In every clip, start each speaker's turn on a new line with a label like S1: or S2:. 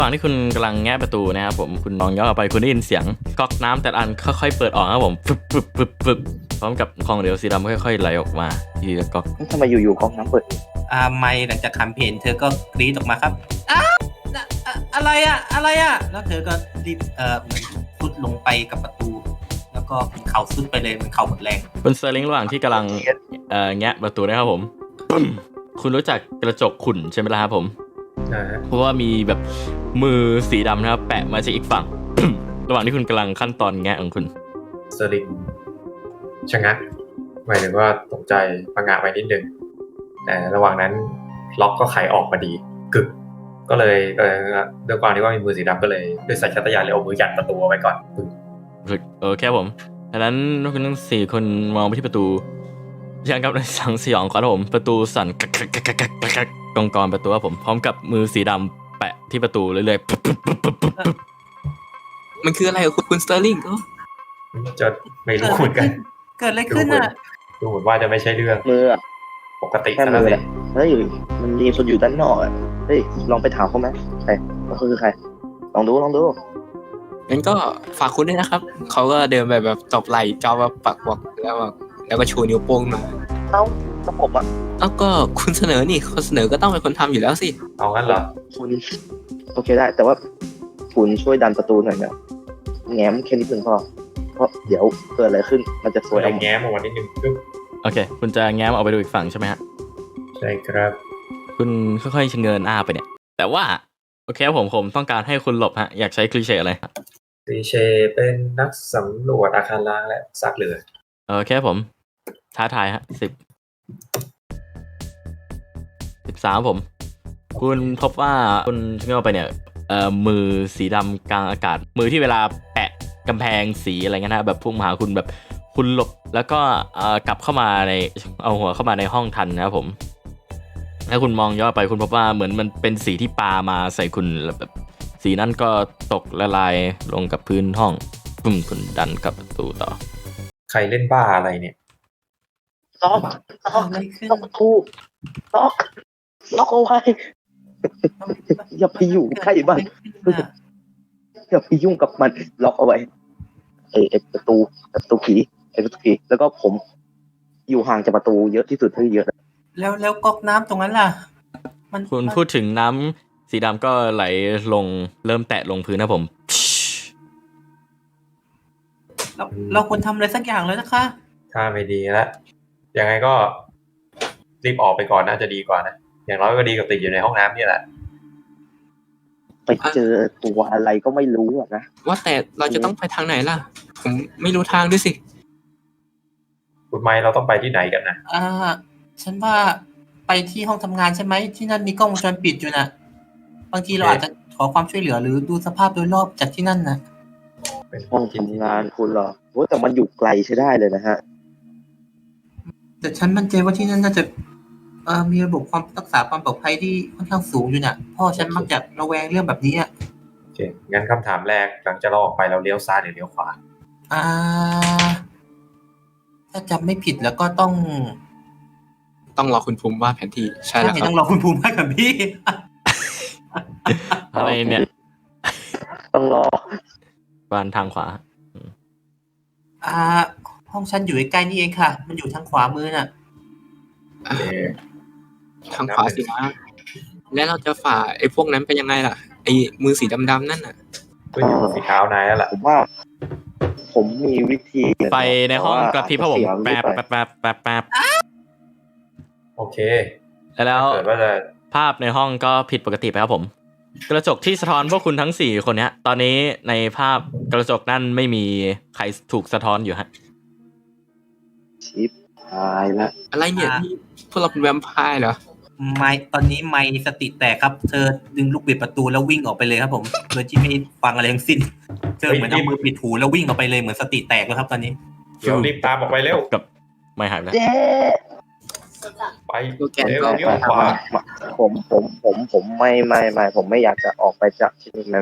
S1: ระหว่างที่คุณกำลังแงะประตูนะครับผมคุณมองย้อนออกไปคุณได้ยินเสียงก๊อกน้ำแต่ละอันค่อยๆเปิดออกครับผมฟึบพร้อมกับของเหลวสีดำค่อยๆไหลออกมาทีละก๊อก
S2: ทำไมอยู่ๆก๊อกน้ำเปิด
S3: ไม่หลังจากคำเพนเธอก็กรี๊ดออกมาครับอะไรแล้วเธอก็รีบเหมือนซุดลงไปกับประตูแล้วก็เข่าซุดไปเลยมันเข่าหมดแรง
S1: คุณเซอร์ลิงระหว่างที่กำลังแงะประตูนะครับผมคุณรู้จักกระจกขุ่นใช่ไหมล่ะครับผมเพราะว่ามีแบบมือสีดำนะครับแปะมาจากอีกฝั่ง ระหว่างที่คุณกำลังขั้นตอนแงะของคุณ
S4: เซอร์ลิงชะงักหมายถึงว่าตกใจประงะไปนิดนึงแต่ระหว่างนั้นล็อกก็ไขออกมาดีกึกก็เลยด้วยความที่ว่ามีมือสีดำก็เลยด้วยสัญชาตญาณเลยเอามือยันประตูไว้ก่อน
S1: โอเคผมดังนั้นคุณทั้ง4คนมองไปที่ประตูยังกับในสังสยองครับผมประตูสั่นกักกองประตูครับผมพร้อมกับมือสีดำแปะที่ประตูเรื่อย
S5: ๆมันคืออะไรคุณสเตอร์ลิง
S4: จะไม่รู้เหมือนกัน
S3: เกิดอะไรขึ้นอ่ะ
S4: ดูเหมือนว่าจะไม่ใช่เรื่อง
S2: มือ
S4: ปกติ
S2: แค่มือเลยเฮ้ยมันมีคนอยู่ด้านนอกอ่ะเฮ้ยลองไปถามเขาไหมใครเขาคือใครลองดู
S5: งั้นก็ฝากคุณด้วยนะครับเขาก็เดินไปแบบตบไหล่จอแบบปักบอกแล้วก็ชูนิ้วโป้งมา
S2: แล้วผมอ่ะ
S5: แล้วก็คุณเสนอนี่คนเสนอก็ต้องเป็นคนทำอยู่แล้วสิ
S4: เอางั้นเหรอ
S2: คุณโอเคได้แต่ว่าคุณช่วยดันประตูหน่อยนะแง้มแค่นิดนึงพอเพราะเดี๋ยวเกิดอะไรขึ้นมันจะสวย
S4: แง้มออกมานิดนึง
S1: โอเคคุณจะแง้มออกไปดูอีกฝั่งใช่ไหมฮะ
S4: ใช่ครับ
S1: คุณค่อยๆเชิญไปเนี่ยแต่ว่าโอเคผมต้องการให้คุณหลบฮะอยากใช้คลีเช่อะไร
S4: คลีเช่เป็นนักสำรวจอาคารล้างและซากเรือ
S1: โอเคผมท้าทายฮะ13ผมคุณพบว่าคุณเชื่อไปเนี่ยมือสีดำกลางอากาศมือที่เวลาแปะกำแพงสีอะไรเงี้ยนะแบบพุ่งมาหาคุณแบบคุณหลบแล้วก็กลับเข้ามาในเอาหัวเข้ามาในห้องทันนะครับผมถ้าคุณมองย้อนไปคุณพบว่าเหมือนมันเป็นสีที่ปามาใส่คุณแบบสีนั้นก็ตกละลายลงกับพื้นห้องคุณดันกับประตูต่อ
S4: ใครเล่นบ้าอะไรเนี่ย
S2: ล็อกประตูล็อกเอาไว้อย่าไปอยู่ใกล้มันอย่าไปยุ่งกับมันล็อกเอาไว้ไอ้ประตูผีแล้วก็ผมอยู่ห่างจากประตูเยอะที่สุดเท่าที่เยอะ
S3: แล้วก๊อกน้ำตรงนั้นล่ะ
S1: คุณพูดถึงน้ำสีดำก็ไหลลงเริ่มแตะลงพื้นนะผม
S3: เราควรทำอะไรสักอย่างแล้วนะคะ
S4: ถ้าไม่ดีแล้วยังไงก็รีบออกไปก่อนน่าจะดีกว่านะอย่างน้อยก็ดีกับติดอยู่ในห้องน้ำนี่แหละ
S2: ไปเจอตัวอะไรก็ไม่รู้นะ
S5: ว่าแต่เราจะต้องไปทางไหนล่ะผมไม่รู้ทางด้วยสิ
S4: คุณไมค์เราต้องไปที่ไหนกันนะ
S3: ฉันว่าไปที่ห้องทำงานใช่ไหมที่นั่นมีกล้องวงจรปิดอยู่นะบางทีเราอาจจะขอความช่วยเหลือหรือดูสภาพโดยรอบจากที่นั่นนะ
S2: เป็นห้องทำงานคุณเหรอโอ้แต่มันอยู่ไกลใช้ได้เลยนะฮะ
S3: แต่ฉันมั่นใจว่าที่นั่นน่าจะมีระบบความรักษาความปลอดภัยที่ค่อนข้างสูงอยู่น่ะพ่อฉันมักจะระแวงเรื่องแบบนี้อ่ะ
S4: โอเคงั้นคำถามแรกหลังจากเราออกไปเราเลี้ยวซ้ายหรือเลี้ยวขวา
S3: ถ้าจำไม่ผิดแล้วก็ต้อง
S5: รอคุณภูมิวาดแผนที่ใช่แล้วครับ
S3: ต้องรอคุณภูมิวาดแผนที่
S1: อะไรเนี่ย
S2: ต้องรอ
S1: บ้านทางขวา
S3: ห้องฉันอยู่ใกล้ๆนี่เองค่ะมันอยู่ทางขวามือน่ะ
S5: ทางขวาสินะแล้วเราจะฝ่าไอ้พวกนั้นไปยังไงล่ะไอ้มือสีดำๆนั่นน่ะ
S4: ก็อยู่สีเท้านายแล้วล่ะ
S2: ผมว่าผมมีวิธี
S1: ไปในห้องกระพริบครับผมแป๊บ
S4: โอเค
S1: แล้วภาพในห้องก็ผิดปกติไปครับผมกระจกที่สะท้อนพวกคุณทั้ง4คนเนี้ยตอนนี้ในภาพกระจกนั่นไม่มีใครถูกสะท้อนอยู่ฮะ
S2: ชิปหายละ
S5: อะไรเนี่ยพวกเราเป็นแวมไพร์เหรอ
S3: ไม่ตอนนี้ไม่สติแตกครับเธอดึงลูกบิดประตูแล้ววิ่งออกไปเลยครับผมโดยที่ไม่ฟังอะไรทั้งสิ้นเธอเหมือนเอามือปิดหูแล้ววิ่งออกไปเลยเหมือนสติแตกแล้วครับตอนนี้
S4: เดี๋ยวรีบตามออกไปเร็ว
S1: กับไม่หายแล้ว
S4: ไปเลี้ยวขวา
S2: ผมไม่ผมไม่อยากจะออกไปจากที่นี่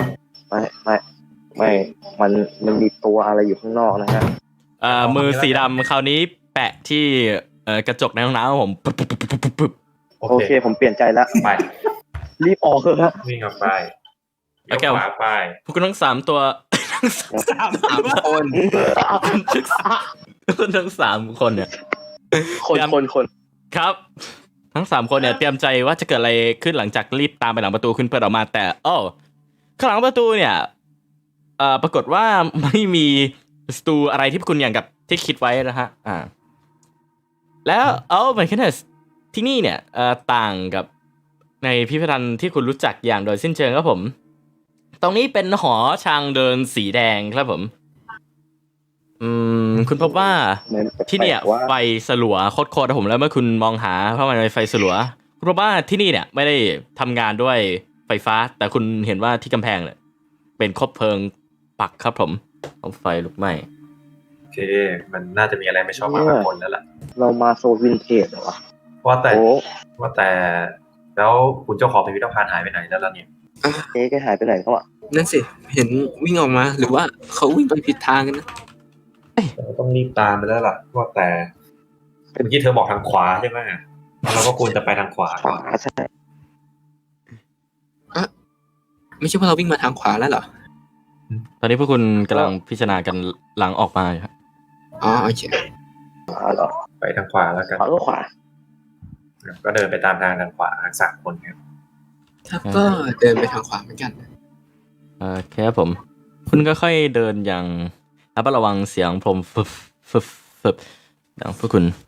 S2: ไม่มันมีตัวอะไรอยู่ข้างนอกนะฮะ
S1: มือสีดำคราวนี้แปะที่กระจกในห้องน้ำผม
S2: โอเคผมเปลี่ยนใจแล้ว
S4: ไป
S2: รีบออกเถอะฮะ
S4: วิ่งออกไปเลี้ยวขวาไป
S1: พวกคุณทั้ง3ตัว ทั้ง
S3: สาม
S5: สามคน
S1: ทั้ง3คนเนี่ย
S2: คน
S1: ครับ ทั้ง3คนเนี่ยเตรียมใจว่าจะเกิดอะไรขึ้นหลังจากรีบตามไปหลังประตูขึ้นเปิดออกมาแต่ข้างหลังประตูเนี่ยปรากฏว่าไม่มีสตูอะไรที่คุณอย่างกับที่คิดไว้นะฮะแล้วเหมือนกันเนี่ยที่นี่เนี่ยต่างกับในพิพิธภัณฑ์ที่คุณรู้จักอย่างโดยสิ้นเชิงครับผมตรงนี้เป็นหอทางเดินสีแดงครับผมคุณพบว่าที่เนี่ยไฟสลัวโคตรๆผมแล้วเมื่อคุณมองหาเพราะมันเป็นไฟสลัวคุณพบว่าที่นี่เนี่ยไม่ได้ทำงานด้วยไฟฟ้าแต่คุณเห็นว่าที่กำแพงเนี่ยเป็นคบเพลิงปักครับผมเอาไฟลุกไหม้
S4: โอเค มันน่าจะมีอะไรไม่ชอบมาพากลแล้วล่ะ
S2: เรามาโซวินเทจเหรอวะ
S4: ว่าแต่
S2: โอ้
S4: แล้วคุณเจ้าของพิพิธภัณฑ์หายไปไหนแล้วล่ะเนี่ย
S2: เจ๊แกหายไปไหนเขาอ่ะ
S5: นั่นสิเห็นวิ่งออกมาหรือว่าเขาวิ่งไปผิดทางกันนะ
S4: เราต้องรีบตามไปแล้วล่ะว่าแต่เมื่อกี้เธอบอกทางขวาใช่ไหมเราก็ควรจะไปทางขวา
S2: ขวาใช่
S5: ไม่ใช่ว่าเราวิ่งมาทางขวาแล้วเหรอ
S1: ตอนนี้พวกคุณกำลังพิจารณากันหลังออกมาอยู่ครับ
S5: อ๋อโอเค
S2: ขวาเหรอ
S4: ไปทางขวาแล้วกัน
S2: ขวาก็ขวา
S4: ก็เดินไปตามทางขวาทั้ง3 คนครับ
S5: ครับก็เดินไปทางขวาเหมือนกัน
S1: แค่ผม คุณก็ค่อยเดินอย่างระมัดระวังเสียงพรมฟึบดังพวกคุณ